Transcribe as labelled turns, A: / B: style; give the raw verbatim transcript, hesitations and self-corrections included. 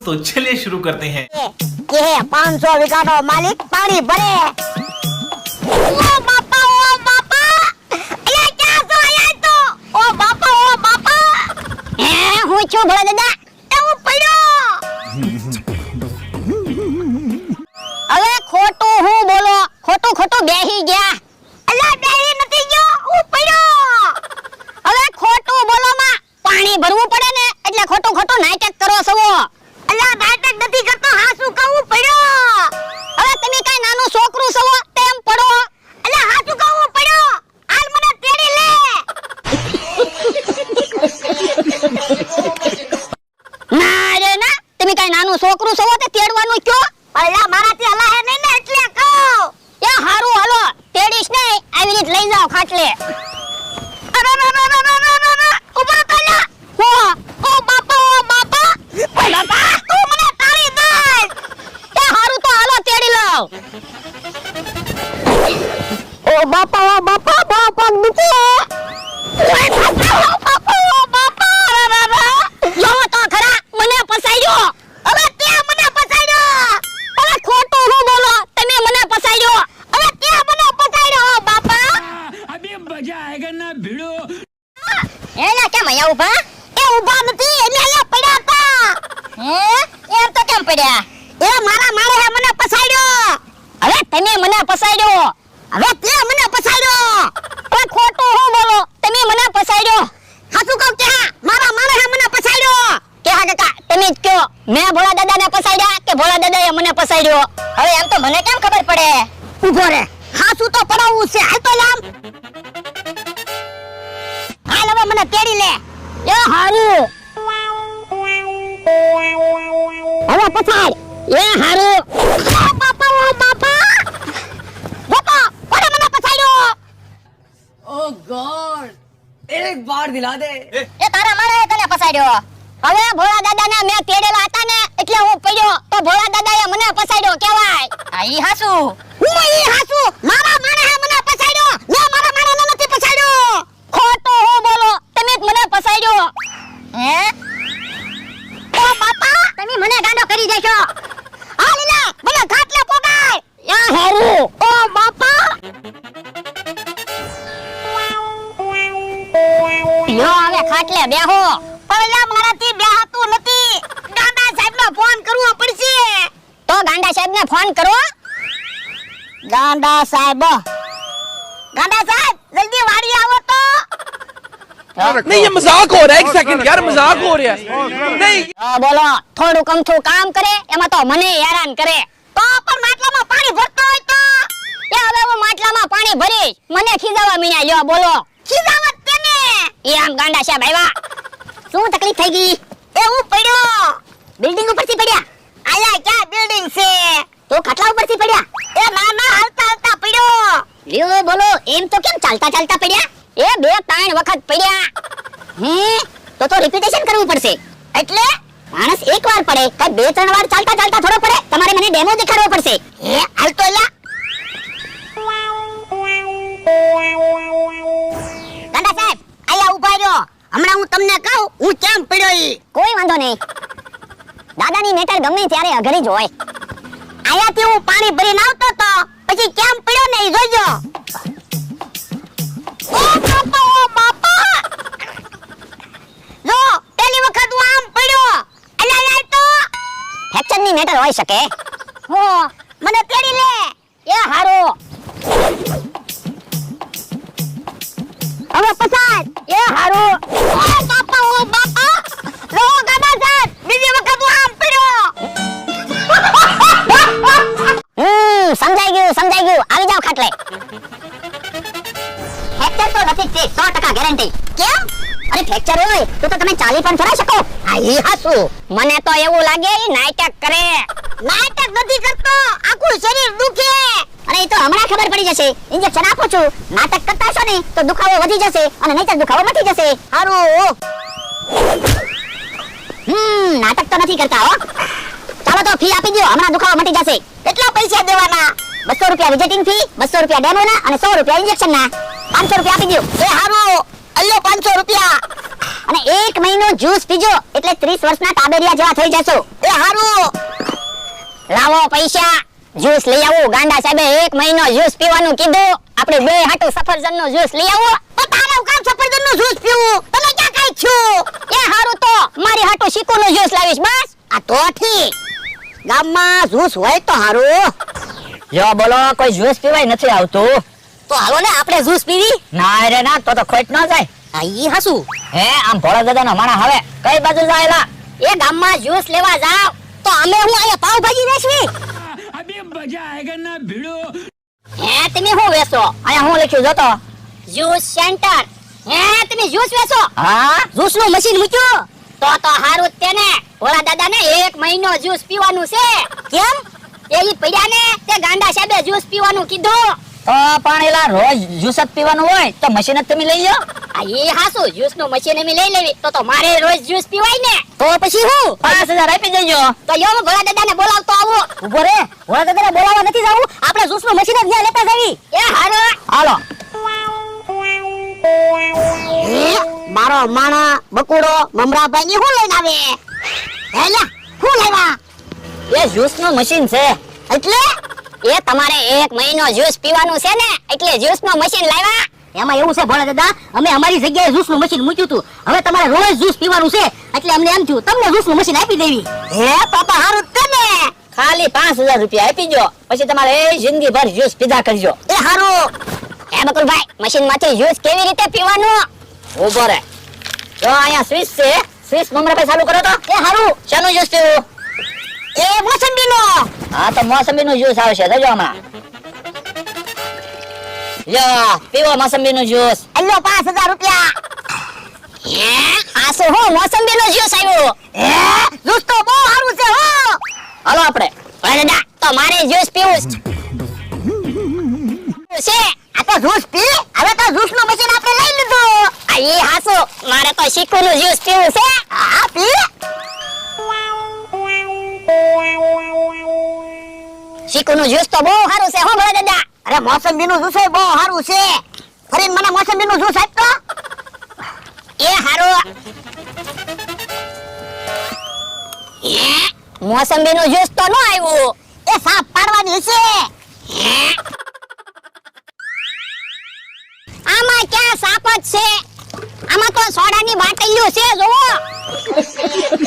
A: तो चलिए शुरू करते हैं।
B: ये है पाँच सौ बीघा नो मालिक पानी भरे। ओ बापा ओ बापा ये क्या सो आया तो ओ बापा ओ बापा ए હું છું ભોળા દાદા એવું પડ્યો હવે ખોટું હું બોલો ખોટું ખોટું બેહી ગયા અલા બેહી નથી ગયો હું પડ્યો હવે ખોટું બોલો માં પાણી ભરવું પડે ને એટલે ખોટું ખોટું નાટક કરો છો અલા નાટક નથી કરતો હાસુ કહું પડ્યો હવે તમે કાઈ નાનું છોકરું છો તેમ પડો અલા હાસુ કહું પડ્યો હાલ મને તેડી લે ના રે ના તમે કાઈ નાનું છોકરું છો તે તેડવાનું કયો અલા મારાથી હલા હે નહીં ને એટલે કહું એ હારું હાલો તેડીશ ને આવી રીત લઈ જાવ ખાટલે અરે ના ના ના ના ના ના ઉભા થા હો ઓ બાપા ઓ બાપા ઓ બાપા તું મને તાળી દે એ હારું તો હાલો તેડી લાવ ઓ બાપા ઓ બાપા બાપા દુખે ઓય બાપા ઓ બાપા ઓ બાપા રારા જો તો ખરા મને પસાડ્યો હવે તે મને પસાડ્યો હવે ખોટું હું બોલો તમે મને પસાડ્યો હવે તે મને પસાડ્યો બાપા
C: અબે મજા આયેગા ના ભીડો
B: એલા કેમ આયા ઉભા એ ઉભા નથી એને અહીંયા પડ્યા હતા હે એમ તો કેમ પડ્યા એ મારા મારે હે મને પસાડ્યો હવે તમે મને પસાડ્યો હવે તે મને પસાડ્યો એ ખોટું હું બોલો તમે મને પસાડ્યો હાચું કહું કે મારા મારે હે મને પસાડ્યો કે હા કાકા તમે જ કયો મેં ભોળા દાદાને પસાડ્યા કે ભોળા દાદાએ મને પસાડ્યો હવે એમ તો મને કેમ ખબર પડે ઊભો રે હાચું તો પડાવવું છે હાલ તો લામ હાલ હવે મને તેડી લે એ હારું હવે પછાડ એ હારું બાપા ઓ બાપા બાપા કોને મને પછાડ્યો
D: ओह गॉड एक बार दिला दे
B: એ તારા મારે તને પછાડ્યો હવે ભોળા દાદાને મેં તેડેલા હતા ને એટલે હું પડ્યો તો ભોળા દાદાએ મને પછાડ્યો કહેવાય આ ઈ હાસુ હું ઈ હાસુ મારા મારે હે મને પછાડ્યો મે મારા મારે નથી પછાડ્યો ખોટો હો બોલો તમે જ મને પછાડ્યો હે ઓ બાપા તમે મને ગાંડો કરી દેશો આ લીલા મને ઘાટલે પોગાય યા હારું ઓ બાપા યો હવે ખાટલે બેહો પહેલા મારાથી બેહાતું નથી ગાંડા સાહેબને ફોન કરવો પડશે તો ગાંડા સાહેબને ફોન કરો ગાંડા સાહેબ ગાંડા સાહેબ જલ્દી વાડી આવો તો
E: नहीं ये मजाक हो रहा है एक सेकंड यार मजाक हो रहा है नहीं
B: હા બોલો થોડું કમથું કામ કરે એમાં તો મને હેરાન કરે તો પણ માટલામાં પાણી ભરતો હોય તો એ હવે હું માટલામાં પાણી ભરીશ મને ખીજાવા મીણા લ્યો બોલો ખીજાવત તેને એ આમ ગાંડા સાહેબ આવ્યા શું તકલીફ થઈ ગઈ એ હું પડ્યો બિલ્ડિંગ ઉપરથી પડ્યા આયા ક્યાં બિલ્ડિંગ છે તો ખાટલા ઉપરથી પડ્યા એ ના ના હાલતા હાલતા પડ્યો લ્યો બોલો એમ તો કેમ ચાલતા ચાલતા પડ્યા એ બે ત્રણ વખત પડ્યા હે તો તો રિપીટેશન કરવું પડશે એટલે માણસ એકવાર પડે કે બે ત્રણ વાર ચાલતા ચાલતા થોડો પડે તમારે મને ડેમો દેખાડવો પડશે હે હાલ તો એલા ગાંડા સાહેબ આયા ઉભા રહ્યો હમણાં હું તમને કહું હું કેમ પડ્યો ઈ કોઈ વાંધો નહીં દાદાની મેટર ગમે ત્યારે અઘરી જ હોય આયાથી હું પાણી ભરીને આવતો તો પછી કેમ પડ્યો ને ઈ જોજો ઓ બાપા ઓ બાપા જો પહેલી વખત હું આમ પડ્યો અલા યાર તો ફ્રેક્ચર ની મેટર હોઈ શકે હો મને તેડી લે એ હારો હવે પસાર એ હારો ઓ બાપા ઓ બાપા લો ગાડા સાહેબ બીજી વખત હું આમ પડ્યો હમ સમજાઈ ગયું સમજાઈ ગયું આવી જાવ ખાટલે ફ્રેક્ચર તો નથી છે સો ટકા ગેરંટી કેમ અરે ફ્રેક્ચર હોય તો તો તમે ચાલી પણ ફરા શકો આ ઈ હાસુ મને તો એવું લાગે ઈ નાટક કરે નાટક નથી કરતો આખું શરીર દુખે અરે ઈ તો હમણાં ખબર પડી જશે ઇન્જેક્શન આપો છું નાટક કરતા છો ને તો દુખાવો વધી જશે અને નહીતર દુખાવો મટી જશે હારું હમ નાટક તો નથી કરતા હો ચાલો તો ફી આપી દો હમણાં દુખાવો મટી જશે કેટલા પૈસા દેવાના બસો રૂપિયા વિઝિટિંગ ફી બસો રૂપિયા ડેમો ના અને સો રૂપિયા ઇન્જેક્શન ના પાંચસો રૂપિયા આપી દો એ હારું અલ્યો પાંચસો રૂપિયા. અને એક મહિનો જ્યુસ પીજો એટલે ત્રીસ વર્ષના તાબેરિયા જેવા થઈ જશો. એ હારું. લાવો પૈસા, જ્યુસ લઈ આવો. ગાંડા સાહેબે એક મહિનો જ્યુસ પીવાનું કીધું. આપણે બે હાટુ સફરજનનો જ્યુસ લઈ આવો. તો તારે કામ સફરજનનો જ્યુસ પીવું? તમે ક્યાં કાઈ છો? એ હારું તો મારી હાટુ શીકુનો જ્યુસ લાવીશ બસ. આ તો ઠીક. ગામમાં જ્યુસ હોય તો હારું.
A: યો બોલો, કોઈ જ્યુસ પીવાય નથી આવતું.
B: તો હાલો ને આપણે જ્યુસ પીવી.
A: ના રે ના, તો તો ખોટ ન જાય.
B: આ ઈ હાસુ.
A: હે આમ ભોળા દાદાનો માણા હવે કઈ બાજુ જાયલા?
B: એ ગામમાં જ્યુસ લેવા જાવ તો અમે હું અહીંયા પાવભાજી વેચવી.
C: अभी मजा आएगा ना भिड़ो.
B: હે તમે શું વેચો?
A: અહીંયા હું લખ્યું જોતો.
B: Juice centre. હે તમે જ્યુસ વેચો?
A: હા,
B: જ્યુસ નું મશીન મૂક્યું? તો તો હારું જ તેને. ભોળા દાદા ને એક મહિનો જ્યુસ પીવાનું છે. કેમ? એ ઈ પડ્યા ને તે ગાંડા સાહેબે જ્યુસ પીવાનું કીધું.
A: તો પણ એલા રોજ જ્યુસ જ પીવાનું હોય તો મશીન જ તમે લઈ લો.
B: આ ઈ હાસુ જ્યુસ નું મશીન એમ લઈ લેવી તો તો મારે રોજ જ્યુસ પીવાય ને. તો પછી હું
A: પાંચ હજાર આપી દેજો.
B: તો યો હું ભોળા દાદા ને બોલાવતો આવું.
A: ઉભો રે, ભોળા દાદાને બોલાવવા નથી જાવું.
B: આપણે જ્યુસ નું મશીન જ ત્યાં લેતા જવી. એ હારું.
A: હાલો.
B: હે, મારો માણા બકુડો મમરાભાઈ ની હું લઈને આવે? હેલા હું લેવા?
A: એ જ્યુસ નું મશીન છે.
B: એટલે એ તમારે એક મહિનો જ્યુસ પીવાનું છે ને એટલે જ્યુસ નું મશીન લાવ્યા.
F: એમાં એવું છે ભોળા દાદા, અમે અમારી જગ્યાએ જ્યુસ નું મશીન મૂક્યું હતું. હવે તમારે રોજ જ્યુસ પીવાનું છે એટલે અમને એમ થયું તમને જ્યુસ નું મશીન આપી દેવી.
B: હે પાપા હારું જ ને.
A: ખાલી પાંચ હજાર રૂપિયા આપી દો, પછી તમારે એ જિંદગી ભર જ્યુસ પીધા કરજો.
B: એ હારું. હે બકુલભાઈ મશીન માંથી જ્યુસ કેવી રીતે પીવાનું?
A: ઉભો રે, જો અહીંયા સ્વિચ છે, સ્વિચ મમરા ચાલુ કરો તો.
B: એ હારું.
A: શાનું જ્યુસ પીવું?
B: એ મોસંબી નો.
A: હા તો મોસંબી નું જ્યુસ આવશે, જોજો હમણાં. લ્યો પીવો મોસંબી નું જ્યુસ.
B: અલ્યો પાંચ હજાર રૂપિયા. હે આ શું હો મોસંબી નો જ્યુસ આવ્યો? હે જ્યુસ તો બહુ સારું છે હો.
A: હાલો આપણે.
B: અરે દાદા તો મારે જ્યુસ પીવું છે. આ તો જ્યુસ પી. હવે તો જ્યુસ નું મશીન આપણે લઈ લીધું. આ ઈ હાસુ મારે તો શીકુ નું જ્યુસ પીવું છે. હા પી. શીકુ નું જ્યુસ તો બહુ સારું છે હો ભોળા દાદા. અરે મોસંબી નું જ્યુસ બહુ સારું છે. ફરીને મને મોસંબી નું જ્યુસ આપ તો. એ હારું. એ મોસંબી નું જ્યુસ તો ન આવ્યું. એ સાપ પાડવાની છે. હે આમાં ક્યાં સાપ જ છે? આમાં તો સોડાની બાટલીઓ છે જોવો.